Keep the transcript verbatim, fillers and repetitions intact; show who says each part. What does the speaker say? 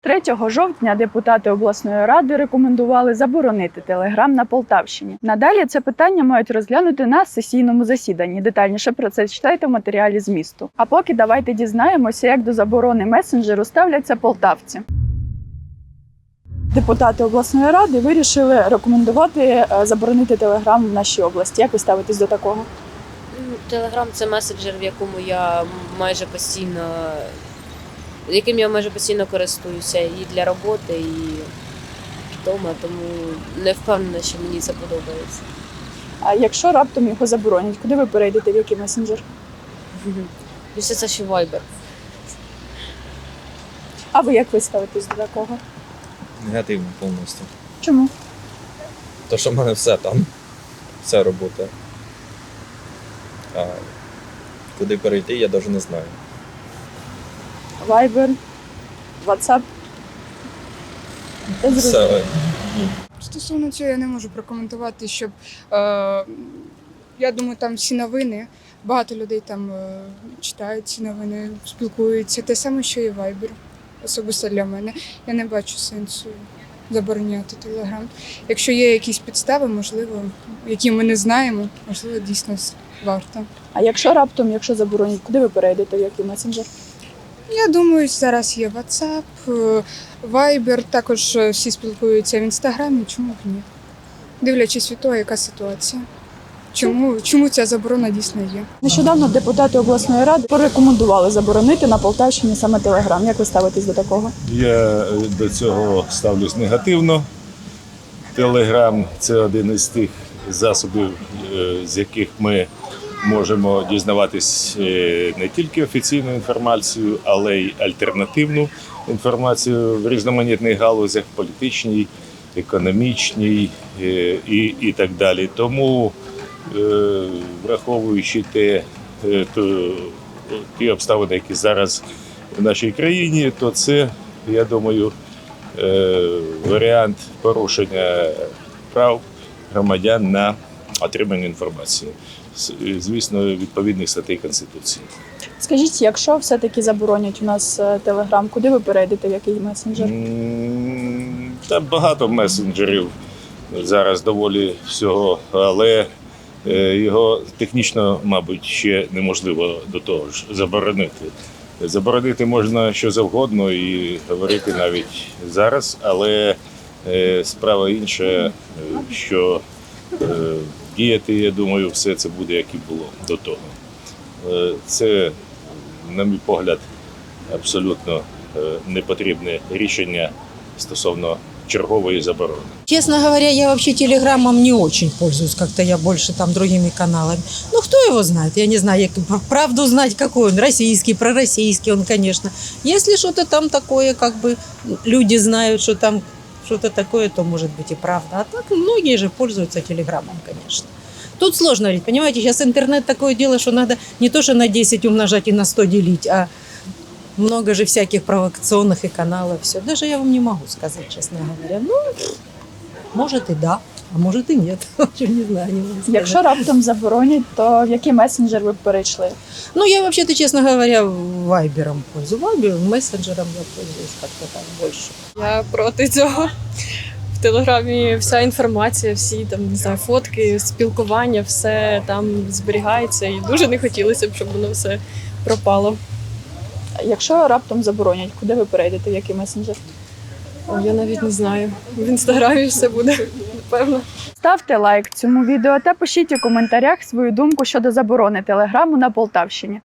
Speaker 1: третього жовтня депутати обласної ради рекомендували заборонити телеграм на Полтавщині. Надалі це питання мають розглянути на сесійному засіданні. Детальніше про це читайте в матеріалі змісту. А поки давайте дізнаємося, як до заборони месенджеру ставляться полтавці. Депутати обласної ради вирішили рекомендувати заборонити телеграм в нашій області. Як ви ставитесь до такого?
Speaker 2: Телеграм – це месенджер, в якому я майже постійно, яким я майже постійно користуюся і для роботи, і вдома, тому не впевнена, що мені це подобається.
Speaker 1: А якщо раптом його заборонять, куди ви перейдете, в який месенджер?
Speaker 2: Після це ще Viber.
Speaker 1: А ви як ви ставитесь до такого?
Speaker 3: Негативно повністю.
Speaker 1: Чому?
Speaker 3: То, що в мене все там, вся робота. А куди перейти, я навіть не знаю.
Speaker 1: Viber, WhatsApp? Це зрозуміло.
Speaker 3: Все.
Speaker 4: Стосовно цього я не можу прокоментувати, щоб е, я думаю, там всі новини, багато людей там е, читають ці новини, спілкуються. Те саме, що і Viber. Особисто для мене. Я не бачу сенсу забороняти Телеграм. Якщо є якісь підстави, можливо, які ми не знаємо, можливо, дійсно варто.
Speaker 1: А якщо раптом, якщо заборонять, куди ви перейдете, в який месенджер?
Speaker 4: Я думаю, зараз є WhatsApp, е, Viber, також е, всі спілкуються в Інстаграмі, чому б ні? Дивлячись від того, яка ситуація. Чому, чому ця заборона дійсно є?
Speaker 1: Нещодавно депутати обласної ради порекомендували заборонити на Полтавщині саме Телеграм. Як ви ставитесь до такого?
Speaker 5: Я до цього ставлюсь негативно. Телеграм – це один із тих засобів, з яких ми можемо дізнаватись не тільки офіційну інформацію, але й альтернативну інформацію в різноманітних галузях – політичній, економічній і, і так далі. Тому, враховуючи те, то, ті обставини, які зараз в нашій країні, то це, я думаю, варіант порушення прав громадян на отримання інформації, звісно, відповідних статей Конституції.
Speaker 1: Скажіть, якщо все-таки заборонять у нас Телеграм, куди ви перейдете, в який месенджер?
Speaker 5: М, Та багато месенджерів зараз доволі всього, але його технічно, мабуть, ще неможливо до того ж заборонити. Заборонити можна що завгодно і говорити навіть зараз, але справа інша, що діяти, я думаю, все це буде, як і було до того. Це, на мій погляд, абсолютно непотрібне рішення стосовно чергової заборони.
Speaker 6: Честно говоря, я вообще телеграммом не очень пользуюсь, как-то я больше там другими каналами. Ну, кто его знает? Я не знаю, я правду знать, какой он, российский, пророссийский он, конечно. Если что-то там такое, как бы люди знают, что там что-то такое, то может быть и правда. А так многие же пользуются телеграммом, конечно. Тут сложно говорить, понимаете, сейчас интернет такое дело, что надо не то, что на десять умножать и на сто делить, а много же всяких провокационных и каналов, все. Даже я вам не могу сказать, честно говоря. Ну, может и да, а может и нет. Не знаю, не могу сказать.
Speaker 1: Якщо раптом заборонять, то в який месенджер ви б перейшли?
Speaker 6: Ну, я вообще-то, честно говоря, вайбером пользуюсь. Вайбер, мессенджером я пользуюсь как-то так больше.
Speaker 7: Я проти цього. В Телеграмі вся інформація, всі там, не знаю, фотки, спілкування, все там зберігається. І дуже не хотілося б, щоб воно все пропало.
Speaker 1: Якщо раптом заборонять, куди ви перейдете, в який месенджер?
Speaker 7: О, я навіть не знаю. В Інстаграмі все буде, напевно.
Speaker 1: Ставте лайк цьому відео та пишіть у коментарях свою думку щодо заборони Телеграму на Полтавщині.